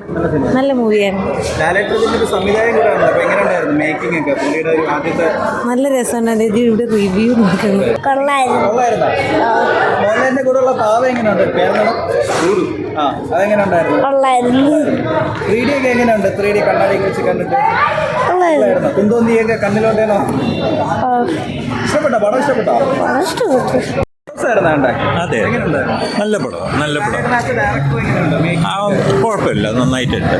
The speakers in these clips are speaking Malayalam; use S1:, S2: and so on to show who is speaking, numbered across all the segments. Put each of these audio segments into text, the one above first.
S1: നല്ല മൂവിയാണ്. നല്ല രസമാണ്. ഇവിടെ റിവ്യൂ നോക്കുന്നു.
S2: മോഹൻലാലിന്റെ കൂടെയുള്ള പാവ എങ്ങനെയുണ്ട്? അതെങ്ങനെയുണ്ടായിരുന്നു? 3D ഒക്കെ എങ്ങനെയുണ്ട്? 3D കണ്ണാടിയൊക്കെ വെച്ച് കണ്ടിട്ട് കുന്തോന്നിയൊക്കെ കണ്ണിലോട്ടേനോ? ഇഷ്ടപ്പെട്ടോ? പടം ഇഷ്ടപ്പെട്ടോ?
S3: അതെ, നല്ല പടം, നല്ല പടം. കുഴപ്പമില്ല, നന്നായിട്ടുണ്ട്.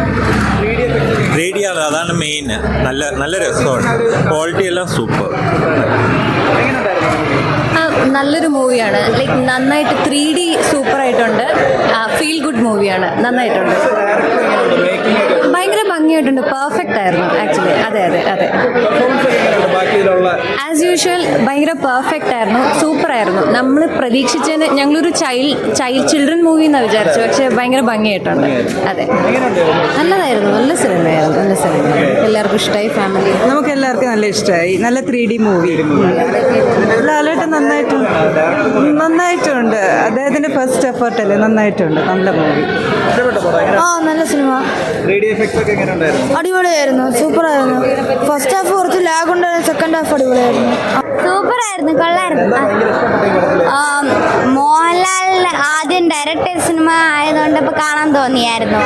S3: 3D ആണ്, അതാണ് മെയിൻ. നല്ല രസമാണ്. ക്വാളിറ്റി എല്ലാം സൂപ്പർ.
S4: നല്ലൊരു മൂവിയാണ്. ലൈക്ക് നന്നായിട്ട് 3D സൂപ്പറായിട്ടുണ്ട്. ഫീൽ ഗുഡ് മൂവിയാണ്. നന്നായിട്ടുണ്ട്. ഭയങ്കര ഭംഗിയായിട്ടുണ്ട്. പെർഫെക്റ്റ് ആയിരുന്നു ആക്ച്വലി. അതെ അതെ അതെ ആസ് യൂഷ്വൽ ഭയങ്കര പെർഫെക്റ്റ് ആയിരുന്നു. സൂപ്പറായിരുന്നു. നമ്മൾ പ്രതീക്ഷിച്ചതിന് ഞങ്ങളൊരു ചിൽഡ്രൻ മൂവി എന്നാണ് വിചാരിച്ചു, പക്ഷെ ഭയങ്കര ഭംഗിയായിട്ടുണ്ട്. അതെ, നല്ലതായിരുന്നു. നല്ല സിനിമയായിരുന്നു. നല്ല സിനിമ, എല്ലാവർക്കും ഇഷ്ടമായി. ഫാമിലി
S1: നമുക്ക് എല്ലാവർക്കും നല്ല ഇഷ്ടമായി. നല്ല 3D മൂവി. ലാലേട്ടൻ നന്നായിട്ടുണ്ട്. അദ്ദേഹത്തിന്റെ ഫസ്റ്റ് എഫേർട്ട് അല്ലേ, നന്നായിട്ടുണ്ട്. നല്ല മൂവി.
S4: നല്ല സിനിമ.
S5: അടിപൊളിയായിരുന്നു. സൂപ്പറായിരുന്നു. ഫസ്റ്റ് ഹാഫ് കുറച്ച് ലാഗ് ഉണ്ടായിരുന്നു. സെക്കൻഡ് ഹാഫ് അടിപൊളിയായിരുന്നു.
S4: സൂപ്പറായിരുന്നു. കൊള്ളായിരുന്നു. മോഹൻലാലിന് ആദ്യം ഡയറക്റ്റ് ചെയ്ത സിനിമ ആയതുകൊണ്ട് ഇപ്പൊ കാണാൻ തോന്നിയായിരുന്നു.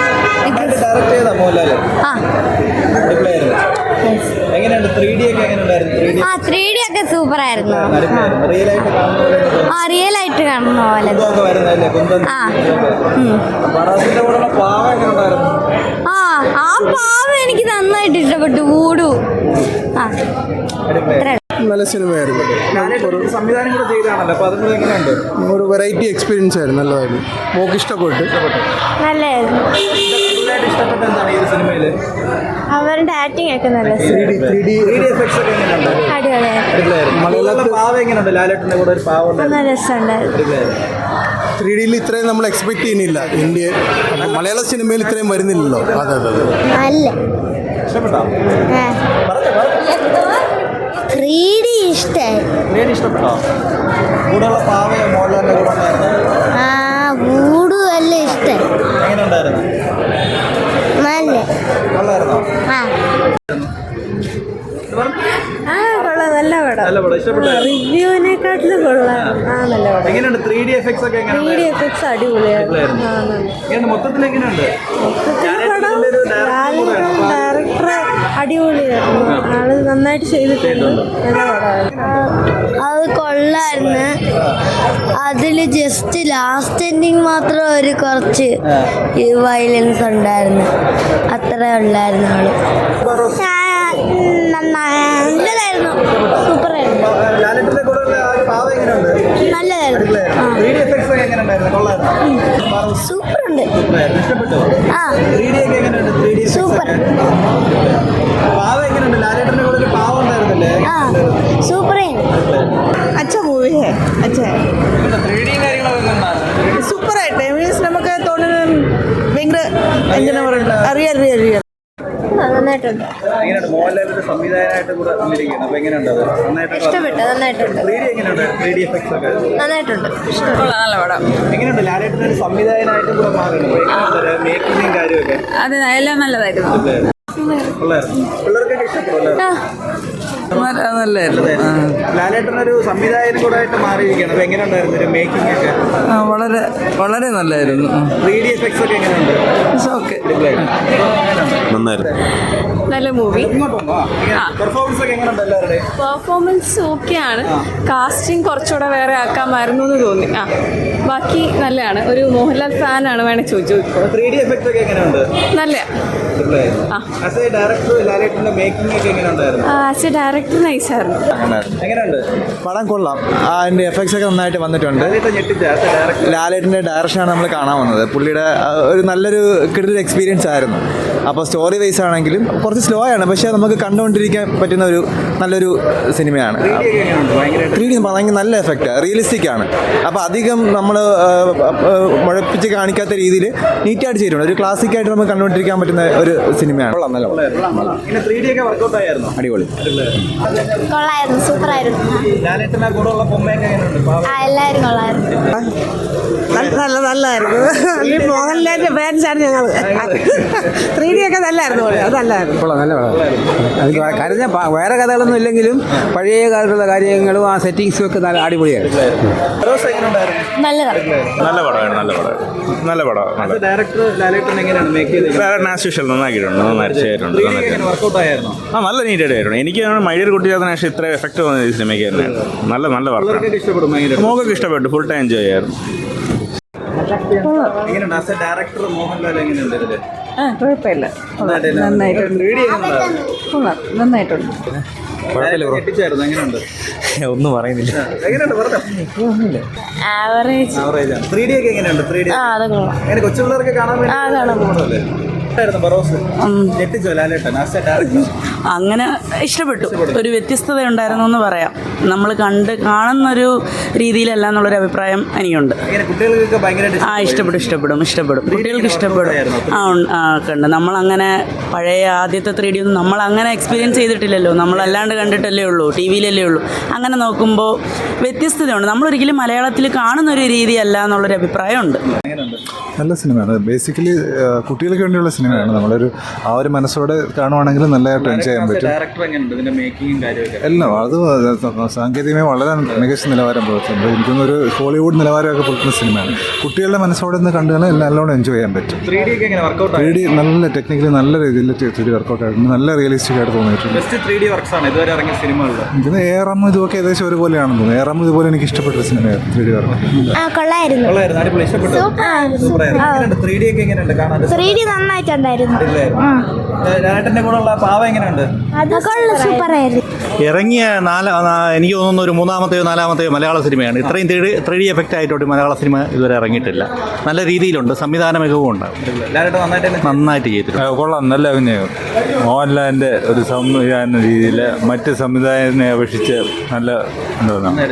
S4: ആ 3D ഒക്കെ സൂപ്പറായിരുന്നു. റിയൽ ആയിട്ട് കാണുന്ന പോലെ. ആ പാവ എനിക്ക് നന്നായിട്ട് ഇഷ്ടപ്പെട്ടു. ഊടു
S6: നല്ല സിനിമയായിരുന്നു. ഒരു വെറൈറ്റി എക്സ്പീരിയൻസ് ആയിരുന്നു. നല്ലതായിരുന്നു. മോക്ക് ഇഷ്ടപ്പെട്ടു.
S5: നല്ലായിരുന്നു. അവരുടെ ആക്ടിങ് ഒക്കെ നല്ല നല്ല രസമുണ്ടായിരുന്നു.
S6: 3Dയിൽ ഇത്രയും നമ്മൾ എക്സ്പെക്ട് ചെയ്യുന്നില്ല. ഇന്ത്യ മലയാള സിനിമയിൽ ഇത്രയും വരുന്നില്ലല്ലോ. അതെ അതെ അതെ.
S5: അല്ല 3D
S2: ഇഷ്ടപ്പെട്ടോ?
S5: ഊടു അല്ല ഇഷ്ടമായി.
S1: കൊള്ളാം. നല്ല പടം. റിവ്യൂവിനെക്കാട്ടിലും കൊള്ളാം. നല്ല പടം.
S2: 3D എഫക്ട്സ് ഒക്കെ
S1: 3D എഫക്ട്സ് അടിപൊളിയായിരുന്നു. ഡയറക്ടർ അടിപൊളിയായിരുന്നു. ആള് നന്നായിട്ട് ചെയ്തിട്ടുണ്ട്. നല്ല പടമായിരുന്നു.
S5: അത് കൊള്ളായിരുന്നു. അതില് ജസ്റ്റ് ലാസ്റ്റ് എൻഡിങ് മാത്രം ഒരു കുറച്ച് വയലൻസ് ഉണ്ടായിരുന്നു. അത്രേ ഉള്ളായിരുന്നു. ആള് നല്ലതായിരുന്നു. സൂപ്പറായിരുന്നു. നല്ലതായിരുന്നു. സൂപ്പറുണ്ട്. ആ സൂപ്പർ. ആ സൂപ്പറായിരുന്നു.
S1: അച്ഛ മൂവി സൂപ്പറായിട്ട് മീൻസ് നമുക്ക് തോന്നുന്നത് ഭയങ്കര എങ്ങനെ പറയുന്നത് അറിയാം.
S4: നന്നായിട്ടുണ്ട്. ഇഷ്ടപ്പെട്ടു. നന്നായിട്ടുണ്ട്. നന്നായിട്ടുണ്ട്.
S1: നല്ല പടം. അതെ, എല്ലാം നല്ലതായിരുന്നു.
S2: ലാലേട്ടനൊരു സംവിധായകനും കൂടെ ആയിട്ട് മാറിയിരിക്കുകയാണ്. അപ്പൊ എങ്ങനെയുണ്ടായിരുന്നു ഒരു മേക്കിംഗ് ഒക്കെ?
S1: വളരെ നല്ലായിരുന്നു.
S2: 3D എഫക്ട്സ് ഒക്കെ എങ്ങനെയുണ്ട്?
S7: നല്ല മൂവി.
S2: പെർഫോമൻസ് ഒക്കെ എങ്ങനെയുണ്ട്? എല്ലാവരുടെയും
S7: പെർഫോമൻസ് ഓക്കെയാണ്. കാസ്റ്റിംഗ് കുറച്ചുകൂടെ വേറെ ആക്കാമായിരുന്നു എന്ന് തോന്നി. ബാക്കി നല്ലതാണ്. ഒരു മോഹൻലാൽ ഫാനാണ് വേണേൽ ചോദിച്ചു.
S2: 3D എഫക്ട്സ് ഒക്കെ എങ്ങനെയുണ്ട്?
S7: നല്ല.
S2: ആസ് എ ഡയറക്ടർ ലാലേട്ടന്റെ മേക്കിംഗ് ഒക്കെ എങ്ങനെയുണ്ടായിരുന്നു?
S7: ആസ് എ ഡയറക്ടർ നൈസായിരുന്നു.
S2: എങ്ങനെയുണ്ട്
S8: പടം? കൊള്ളാം. അതിൻ്റെ എഫക്ട്സ് ഒക്കെ നന്നായിട്ട് വന്നിട്ടുണ്ട്. ലാലേട്ടൻ്റെ ഡയറക്ഷനാണ് നമ്മൾ കാണാൻ വന്നത്. പുള്ളിയുടെ ഒരു നല്ലൊരു കിടിലൻ എക്സ്പീരിയൻസ് ആയിരുന്നു. അപ്പോൾ സ്റ്റോറി വൈസ് ആണെങ്കിലും കുറച്ച് സ്ലോ ആണ്, പക്ഷേ നമുക്ക് കണ്ടുകൊണ്ടിരിക്കാൻ പറ്റുന്ന ഒരു നല്ലൊരു സിനിമയാണ്. 3D ഭയങ്കര നല്ല എഫക്റ്റ്, റിയലിസ്റ്റിക് ആണ്. അപ്പോൾ അധികം നമ്മൾ മുഴപ്പിച്ച് കാണിക്കാത്ത രീതിയിൽ നീറ്റായിട്ട് ചെയ്തിട്ടുണ്ട്. ഒരു ക്ലാസിക്കായിട്ട് നമുക്ക് കണ്ടുകൊണ്ടിരിക്കാൻ പറ്റുന്ന ഒരു സിനിമയാണ്. നല്ല അടിപൊളി.
S5: കൊള്ളായിരുന്നു. സൂപ്പറായിരുന്നു.
S2: ലാലേട്ടനെ കൂടെയുള്ള പൊമ്മയൊക്കെ എങ്ങനെയുണ്ട്?
S5: എല്ലാവരും കൊള്ളായിരുന്നു.
S1: നല്ലതായിരുന്നു മോഹൻലാലിന്റെ ഫാൻസാണ് ഞങ്ങൾ 3D ഒക്കെ നല്ലായിരുന്നു അത് നല്ലതായിരുന്നു
S9: നല്ല അത് കരഞ്ഞ വേറെ കഥകളൊന്നും ഇല്ലെങ്കിലും പഴയ കാലത്തുള്ള കാര്യങ്ങളും ആ സെറ്റിങ്സും ഒക്കെ നല്ല അടിപൊളിയായിരുന്നു.
S2: ഫിറോസ് എങ്ങനെയുണ്ടായിരുന്നു?
S3: നല്ല പടമാണ്.
S2: ഡയറക്ടർ ലാലേട്ടൻ എങ്ങനെയാണ് മേക്ക് ചെയ്തത്?
S3: ആസ് യൂഷ്വൽ നന്നാക്കിയിട്ടുണ്ട്, നന്നായിട്ട് ചെയ്തിട്ടുണ്ട്.
S2: 3D എങ്ങനെ വർക്കൗട്ട് ആയിരുന്നോ?
S3: നല്ല നീറ്റായിട്ട് ആയിരുന്നു. എനിക്ക് മഴയിൽ കുട്ടിയാത്ത ശേഷം ഇത്ര എഫക്ട് തോന്നിയത് ഈ സിനിമയ്ക്ക് തന്നെയാണ്. നല്ല വർക്കാണ്.
S2: പിള്ളേർക്കൊക്കെ ഇഷ്ടപ്പെടും ഭയങ്കര.
S3: മോക്കൊക്കെ ഇഷ്ടപ്പെട്ടു, ഫുൾ ടൈം എൻജോയ് ചെയ്യായിരുന്നു.
S2: എങ്ങനെയുണ്ട് ആസ് എ ഡയറക്ടർ മോഹൻലാൽ എങ്ങനെയുണ്ട് ഇതില്?
S1: കുഴപ്പമില്ല നന്നായിട്ടുണ്ട്
S2: 3D എങ്ങനെയുണ്ടായിരുന്നു?
S1: നന്നായിട്ടുണ്ട്
S2: ഞെട്ടിച്ചായിരുന്നു. എങ്ങനെയുണ്ട്?
S8: ഒന്നും പറയുന്നില്ല.
S2: എങ്ങനെയുണ്ട് പറഞ്ഞോ?
S4: ആവറേജ്.
S2: ആവറേജ് ആണ്. 3D ഒക്കെ എങ്ങനെയുണ്ട്? 3D
S4: അതൊക്കെ
S2: അങ്ങനെ കൊച്ചു പിള്ളേർക്ക് കാണാൻ വേണ്ടി ഞെട്ടിച്ചോ ലാലേട്ടൻ ആസ് എ ഡയറക്ടർ?
S10: അങ്ങനെ ഇഷ്ടപ്പെട്ടു. ഒരു വ്യത്യസ്തത ഉണ്ടായിരുന്നു എന്ന് പറയാം. നമ്മൾ കാണുന്നൊരു രീതിയിലല്ല എന്നുള്ളൊരു അഭിപ്രായം എനിക്കുണ്ട്.
S2: കുട്ടികൾക്കൊക്കെ ഭയങ്കരമായിട്ട്
S10: ഇഷ്ടപ്പെടും. കുട്ടികൾക്ക് ഇഷ്ടപ്പെടും. ഒക്കെ ഉണ്ട്. നമ്മളങ്ങനെ പഴയ ആദ്യത്തെ 3D ഒന്നും നമ്മളങ്ങനെ എക്സ്പീരിയൻസ് ചെയ്തിട്ടില്ലല്ലോ. നമ്മളല്ലാണ്ട് കണ്ടിട്ടല്ലേ ഉള്ളൂ, ടി വിയിലല്ലേ ഉള്ളൂ. അങ്ങനെ നോക്കുമ്പോൾ വ്യത്യസ്തതയുണ്ട്. നമ്മളൊരിക്കലും മലയാളത്തിൽ കാണുന്നൊരു രീതിയല്ല എന്നുള്ളൊരു അഭിപ്രായമുണ്ട്.
S6: നല്ല സിനിമയാണ്. ബേസിക്കലി കുട്ടികൾക്ക് വേണ്ടിയുള്ള സിനിമയാണ്. നമ്മളൊരു ആ ഒരു മനസ്സോടെ കാണുവാണെങ്കിൽ നല്ലതായിട്ട് എൻജോയ് ചെയ്യാൻ പറ്റും.
S2: ഡയറക്ടർ എങ്ങനെയുണ്ട്? ഇതിന്റെ മേക്കിങ്ങും കാര്യമൊക്കെ
S6: എല്ലാം അത് സാങ്കേതികമായി വളരെ മികച്ച നിലവാരം പുലർത്തുന്നുണ്ട്. എനിക്കൊന്നൊരു ഹോളിവുഡ് നിലവാരമൊക്കെ പുലർത്തുന്ന സിനിമയാണ്. കുട്ടികളുടെ മനസ്സോടെ നിന്ന് കണ്ടുകഴിഞ്ഞാൽ നല്ലോണം എൻജോയ് ചെയ്യാൻ പറ്റും.
S2: 3D ഒക്കെ എങ്ങനെ വർക്കൗട്ട്?
S6: 3D നല്ല ടെക്നിക്കലി നല്ല രീതിയിൽ 3D വർക്കൗട്ട് ആയിട്ടുണ്ട്. നല്ല റിയലിസ്റ്റിക് ആയിട്ട് തോന്നിയിട്ടുണ്ട്.
S2: ബെസ്റ്റ് 3D വർക്ക്സ് ആണ് ഇതുവരെ ഇറങ്ങിയ സിനിമകളിൽ.
S6: ഇതിന് ഏറം ഇതുമൊക്കെ ഏകദേശം ഒരുപോലെയാണെന്ന് തോന്നുന്നു. ഏറം ഇതുപോലെ എനിക്ക് ഇഷ്ടപ്പെട്ട സിനിമയാണ് 3D വർക്ക്.
S5: കൊള്ളായിരുന്നു.
S2: അടിപൊളി, ഇഷ്ടപ്പെട്ടു. എങ്ങനെയുണ്ട് 3D ഒക്കെ എങ്ങനെയുണ്ട് കാണാൻ?
S5: 3D നന്നായിട്ടുണ്ടായിരുന്നു.
S2: ലാലേട്ടന്റെ കൂടെ ഉള്ള പാവ എങ്ങനെയുണ്ട്?
S5: സൂപ്പർ ആയിരുന്നു.
S11: ഇറങ്ങിയ എനിക്ക് തോന്നുന്നു ഒരു 3-ാമത്തെയോ 4-ാമത്തെയോ മലയാള സിനിമയാണ്. ഇത്രയും 3D എഫക്റ്റ് ആയിട്ടോട്ട് മലയാള സിനിമ ഇതുവരെ ഇറങ്ങിയിട്ടില്ല. നല്ല രീതിയിലുണ്ട്, സംവിധാന മികവും ഉണ്ടാവും. നന്നായിട്ട് ചെയ്തിട്ടുണ്ട്.
S3: കൊള്ളാം, നല്ല അഭിനയം. മോഹൻലാലിൻ്റെ ഒരു സംവിധാന രീതിയിൽ മറ്റ് സംവിധായകനെ അപേക്ഷിച്ച് നല്ല